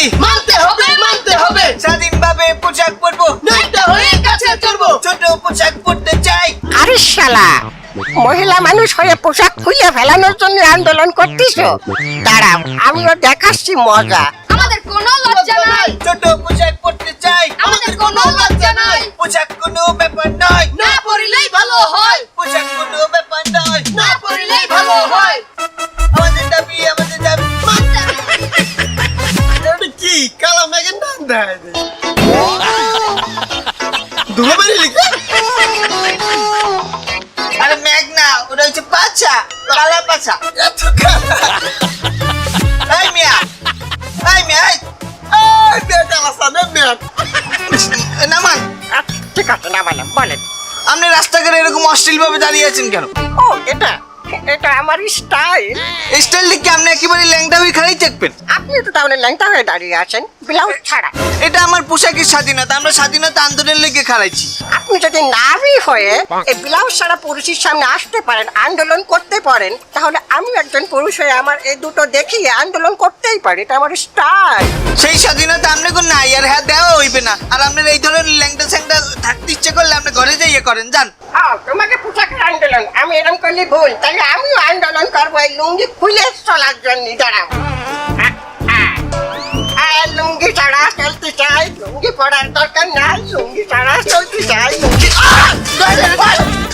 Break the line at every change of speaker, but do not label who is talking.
দাবি
মানতে হবে
স্বাধীনভাবে পোশাক পরবো,
নয়টা হয়ে কাছে চড়বো।
ছোট পোশাক পরতে চাই।
আরে শালা, মহিলা মানুষ হয়ে পোশাক খুলে ফেলানোর জন্য আন্দোলন করতেছো? দাঁড়াও, আমিও দেখাচ্ছি মজা।
আমাদের কোনো লজ্জা নাই,
ছোট পোশাক পরতে চাই।
আমাদের কোনো লজ্জা নাই।
পোশাক কোনো ব্যাপার নয়,
না পড়িলেই ভালো হয়,
পোশাক কোনো ব্যাপার নয়।
না পড়িলেই ভালো হয়।
আমাদের দাবি
মানতে হবে।
এটা কি কালা মেঘের নাম দেয় ধুলোবাড়ি লিখে
আরে মেঘ না, ওটা হচ্ছে পাছা, কালা পাছা।
এত কালা
এই মিয়া, এই মিয়া, এই,
কালা সামনে মেঘ
নামান।
ঠিক আছে, না মানে বলেন।
আপনি রাস্তাঘাটে এরকম অশ্লীল ভাবে দাঁড়িয়ে আছেন কেন?
ও, এটা এটা আমার স্টাইল।
এই স্টাইল দেখে আপনি একেবারে ল্যাংটা হয়ে খারাই থাকবেন।
আপনি তো তাহলে ল্যাংটা হয়ে দাঁড়িয়ে আছেন ব্লাউজ ছাড়া।
এটা আমার পোশাকের স্বাধীনতা, আমরা স্বাধীনতা আন্দোলনের লেগে খারাইছি।
আপনি যদি নারী হয়ে এই ব্লাউজ ছাড়া পুরুষের সামনে আসতে পারেন, আন্দোলন করতে পারেন, তাহলে আমি একজন পুরুষ হয়ে আমার এই দুটো দেখিয়ে আন্দোলন করতেই পারি। এটা আমার স্টাইল।
সেই স্বাধীনতা আপনি কোন নাই, আর হ্যাঁ দেওয়া হইবে না। আর আপনার এই ধরনের ল্যাংটা স্যাংটা থাকতে ইচ্ছে করলে আপনি ঘরে যাইয়ে করেন, যান।
তোমাকে পোশাকের আন্দোলন, আমি এরকম করলে ভুল, তাহলে আমিও আন্দোলন করবো এই লুঙ্গি খুলে চলার জন্য। দাঁড়াও, লুঙ্গি ছাড়া চলতে চাই, লুঙ্গি পরার দরকার নাই, লুঙ্গি ছাড়া চলতে চাই, লুঙ্গি